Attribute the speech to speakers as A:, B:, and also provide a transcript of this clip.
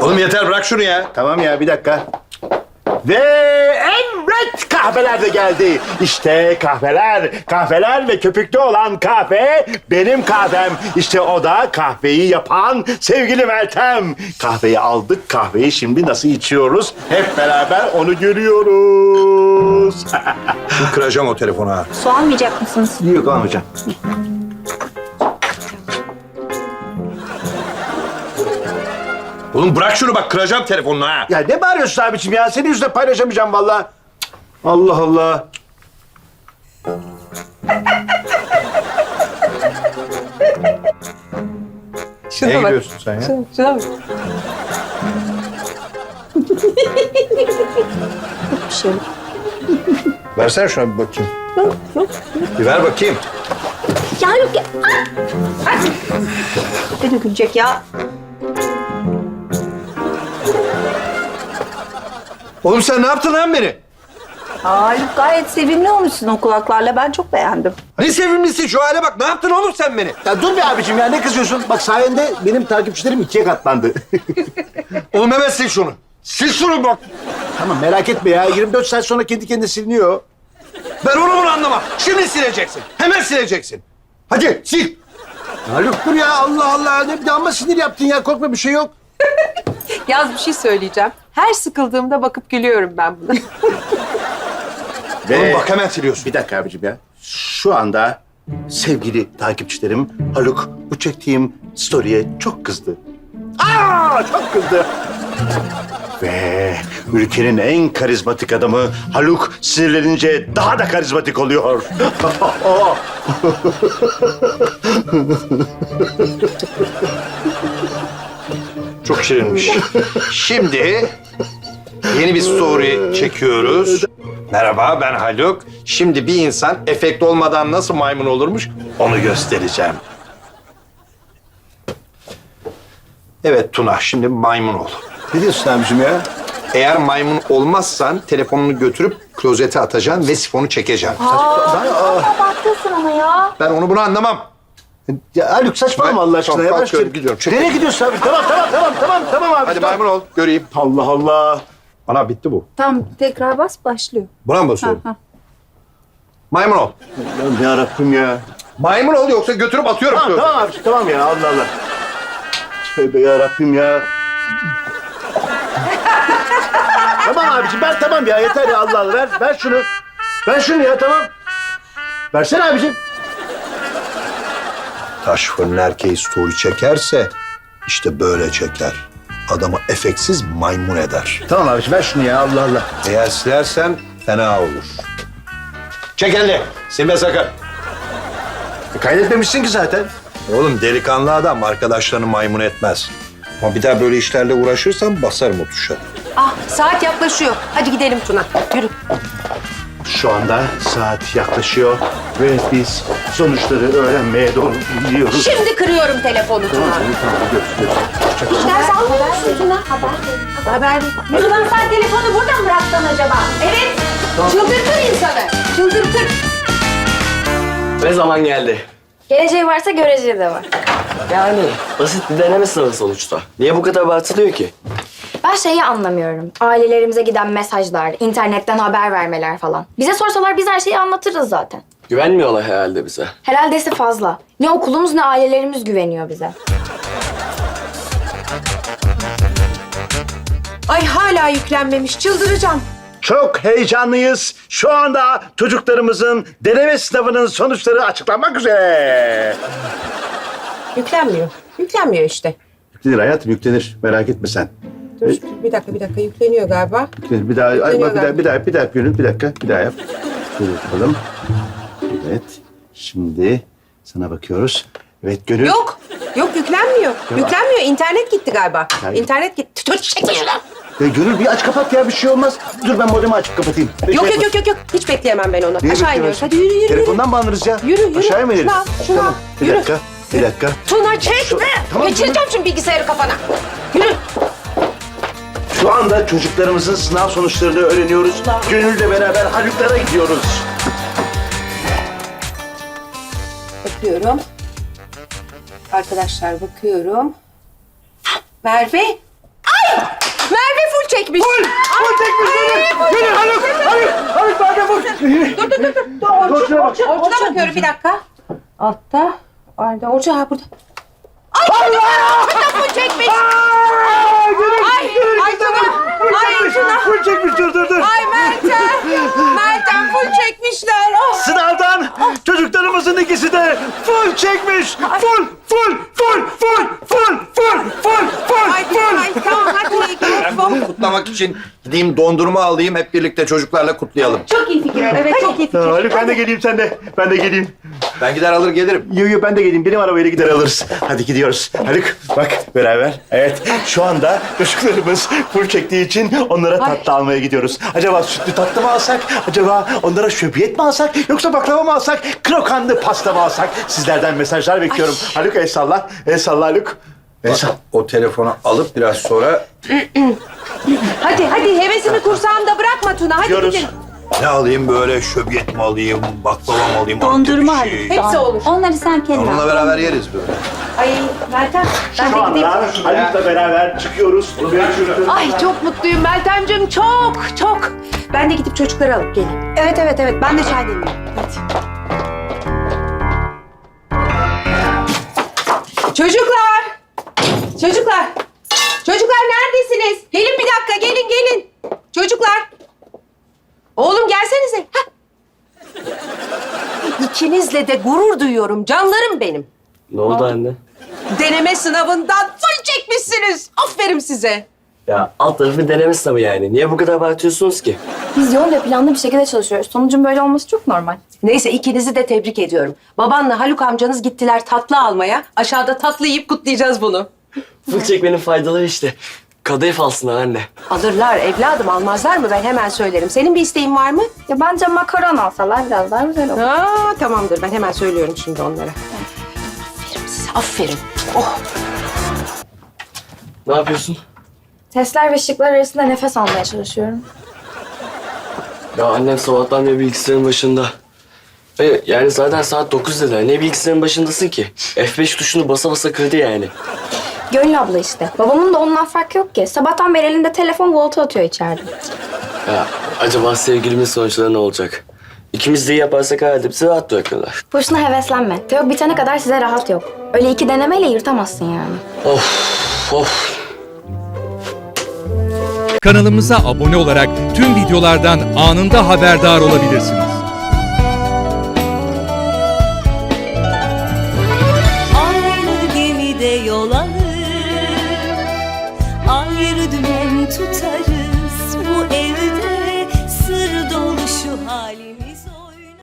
A: Oğlum yeter bırak şunu ya.
B: Tamam ya bir dakika. Ve evet kahveler de geldi. İşte kahveler. Kahveler ve köpüklü olan kahve benim kahvem. İşte o da kahveyi yapan sevgili Meltem. Kahveyi aldık. Kahveyi şimdi nasıl içiyoruz? Hep beraber onu görüyoruz.
A: Şimdi kıracağım o telefonu ha.
C: Su almayacak mısınız?
B: Yok almayacağım.
A: Oğlum bırak şunu bak kıracağım telefonunu ha.
B: Ya ne bağırıyorsun abiciğim ya? Senin yüzünden paylaşamayacağım vallahi. Allah Allah.
D: Şuna
B: Neye
D: bak.
B: gidiyorsun sen ya?
D: Şuna bak.
C: Bir şey yok.
A: Versene şuna bir bakayım. Bir ver bakayım.
C: Ya yok ya. Ay! Beni gülecek ya.
A: Oğlum sen ne yaptın lan beni?
C: Haluk gayet sevimli olmuşsun o kulaklarla. Ben çok beğendim.
A: Ne sevimlisin şu hale bak. Ne yaptın oğlum sen beni?
B: Ya dur be abicim ya ne kızıyorsun? Bak sayende benim takipçilerim 2'ye katlandı.
A: Oğlum hemen sil şunu. Sil şunu bak.
B: Tamam merak etme ya. 24 saat sonra kendi kendine siliniyor.
A: Ben onu bunu anlamam. Şimdi sileceksin. Hemen sileceksin. Hadi sil.
B: Haluk dur ya Allah Allah. Ne bir de amma sinir yaptın ya. Korkma bir şey yok.
D: Yaz bir şey söyleyeceğim. Her sıkıldığımda bakıp gülüyorum ben buna.
A: Oğlum bak hemen siliyorsun.
B: Bir dakika abicim ya. Şu anda sevgili takipçilerim Haluk bu çektiğim story'e çok kızdı. Çok kızdı. Ve ülkenin en karizmatik adamı Haluk sinirlenince daha da karizmatik oluyor.
A: Çok şirinmiş. Şimdi yeni bir story çekiyoruz. Merhaba ben Haluk. Şimdi bir insan efekt olmadan nasıl maymun olurmuş onu göstereceğim. Evet Tuna şimdi maymun ol.
B: Ne diyorsun abicim ya?
A: Eğer maymun olmazsan telefonunu götürüp klozete atacaksın ve sifonu çekeceksin.
C: Abartıyorsun ama ya.
A: Ben onu bunu anlamam.
B: Ya Haluk saçmalama Allah aşkına
A: Tamam,
B: ya.
A: kalkıyorum, gidiyorum. Çek.
B: Nereye gidiyorsun abi? Tamam abi.
A: Hadi
B: tamam.
A: maymun ol göreyim.
B: Allah Allah.
A: Ana bitti bu.
C: Tamam tekrar bas başlıyor.
A: Buna mı basıyorum?
C: Ha, ha.
A: Maymun ol.
B: Ya yarabbim ya.
A: Maymun ol yoksa götürüp atıyorum.
B: Tamam abi tamam ya Allah Allah. Tövbe yarabbim ya. Tamam abiciğim ben tamam ya yeter ya Allah Allah ver şunu. Ver şunu ya tamam. Versene abiciğim.
A: Taş fırın erkeği story çekerse işte böyle çeker. Adamı efeksiz maymun eder.
B: Tamam abiciğim ver şunu ya Allah Allah.
A: Eğer silersen fena olur. Çek elini. Silme sakın.
B: Kaydetmemişsin ki zaten.
A: Oğlum delikanlı adam arkadaşlarını maymun etmez. Ama bir daha böyle işlerle uğraşırsan basarım o tuşa.
D: Ah saat yaklaşıyor. Hadi gidelim Tuna. Yürü.
B: Şu anda saat yaklaşıyor ve biz sonuçları öğrenmeye doğru gidiyoruz.
D: Şimdi kırıyorum telefonu Tuna.
B: Tamam görüşürüz.
C: Ders almıyor musun Tuna?
D: Haber.
C: Ulan sen telefonu burada mı bıraktın acaba?
D: Evet. Çıldırtır insanı. Çıldırtır.
E: Ne zaman geldi?
F: Geleceği varsa göreceği de var.
E: Yani basit bir deneme sınavı sonuçta. Niye bu kadar abartılıyor ki?
F: Ben şeyi anlamıyorum. Ailelerimize giden mesajlar, internetten haber vermeler falan. Bize sorsalar biz her şeyi anlatırız zaten.
E: Güvenmiyorlar herhalde bize.
F: Herhaldesi fazla. Ne okulumuz ne ailelerimiz güveniyor bize.
D: Ay hala yüklenmemiş. Çıldıracağım.
B: Çok heyecanlıyız. Şu anda çocuklarımızın deneme sınavının sonuçları açıklanmak üzere.
D: Yüklenmiyor. Yüklenmiyor işte.
B: Yüklenir hayatım yüklenir. Merak etme sen.
D: Dur bir dakika yükleniyor galiba.
B: Yüklenir. Bir daha, ay, bak, bir daha Gönül bir dakika. Bir daha yap. Dur bakalım. Evet. Şimdi sana bakıyoruz. Evet Gönül.
D: Yok yüklenmiyor. Yüklenmiyor. İnternet gitti galiba.
B: Hayır.
D: İnternet gitti. Dur çekme şunu.
B: Ya Gönül bir aç kapat ya bir şey olmaz. Dur ben modemi açıp kapatayım.
D: Yok. Hiç bekleyemem ben onu.
B: Niye
D: Aşağı iniyoruz. Hadi yürü.
B: Telefondan mı alırız ya?
D: Yürü.
B: Aşağıya mı ineriz?
D: Şuna,
B: Tamam. Bir
D: yürü.
B: dakika. Bir dakika.
D: Tuna çekme.
B: Tamam,
D: Geçireceğim şimdi bilgisayarı kafana. Yürü.
B: Şu anda çocuklarımızın sınav sonuçlarını öğreniyoruz. Gönül'le beraber Haluk'lara gidiyoruz.
D: Bakıyorum. Arkadaşlar bakıyorum. Merve. Ay! Merve full çekmiş.
B: Full çekmiş beni. Beni Haluk. Haluk Merve full.
D: Orçuna bakıyorum bir dakika. Altta. Orada. Orçun ha burada. Full çekmiş. Ay Tuna. Ay Tuna.
B: Full çekmiş dur.
D: Ay Meltem full çekmişler. Oh.
B: Sınavdan çocuklarımızın ikisi de full çekmiş. Full.
D: Ay tamam hadi.
A: Ben bunu kutlamak için gideyim dondurma alayım, hep birlikte çocuklarla kutlayalım.
C: Çok iyi fikir.
D: Evet çok iyi fikir.
B: Haluk ben de geleyim sen de. Ben de geleyim.
A: Ben gider alır gelirim.
B: Yo ben de geleyim. Benim arabayla gider alırız. Hadi gidiyoruz. Haluk bak beraber. Evet şu anda çocuklarımız full çektiği için onlara tatlı almaya gidiyoruz. Acaba sütlü tatlı mı alsak? Acaba onlara şöbiyet mi alsak? Yoksa baklava mı alsak? Krokanlı pasta mı alsak? Sizlerden mesajlar bekliyorum. Haluk el salla. El salla Haluk. El salla.
A: O telefonu alıp biraz sonra
D: Hadi hevesini kursağımda bırakma Tuna. Hadi
B: Gidiyoruz.
D: gidelim.
A: ne alayım böyle, şöbiyet mi alayım, baklava mı alayım?
C: Dondurma
A: Antep bir şey.
D: Hepsi olur.
C: Onları sen kendin
A: Onunla
C: al.
A: beraber yeriz böyle.
D: Ay Meltem ben
B: Şu
D: de gideyim.
B: anda Haluk'la beraber çıkıyoruz.
D: Ay çok mutluyum Meltemciğim çok. Ben de gidip çocukları alıp geleyim. Evet ben de çay demleyeyim. Hadi. Çocuklar neredesiniz? Gelin bir dakika gelin. Çocuklar. Oğlum gelsenize. Hah. İkinizle de gurur duyuyorum canlarım benim.
E: Ne oldu anne?
D: Deneme sınavından full çekmişsiniz. Aferin size.
E: Ya alt tarafı deneme sınavı yani. Niye bu kadar abartıyorsunuz ki?
F: Biz yoğun ve planlı bir şekilde çalışıyoruz. Sonucun böyle olması çok normal.
D: Neyse ikinizi de tebrik ediyorum. Babanla Haluk amcanız gittiler tatlı almaya. Aşağıda tatlı yiyip kutlayacağız bunu.
E: Full çekmenin faydaları işte. Kadayıf alsınlar anne.
D: Alırlar evladım almazlar mı ben hemen söylerim. Senin bir isteğin var mı?
F: Ya bence makaron alsalar biraz daha güzel olur.
D: Aa, tamamdır ben hemen söylüyorum şimdi onlara. Aferin size aferin. Oh.
E: Ne yapıyorsun?
F: Testler ve şıklar arasında nefes almaya çalışıyorum.
E: Ya annem sabahtan beri bilgisayarın başında. Yani zaten saat 9 dediler. Ne bilgisayarın başındasın ki? F5 tuşunu basa basa kırdı yani.
F: Gönül abla işte. Babamın da ondan farkı yok ki. Sabahtan beri elinde telefon volta atıyor içeride.
E: Ya acaba sevgilimin sonuçları ne olacak? İkimiz de iyi yaparsak herhalde bizi rahat bırakırlar.
F: Boşuna heveslenme. Teok bitene kadar size rahat yok. Öyle 2 denemeyle yırtamazsın yani.
E: Of.
G: Kanalımıza abone olarak tüm videolardan anında haberdar olabilirsiniz.
H: Aynı gemide yol alır, ayrı dümen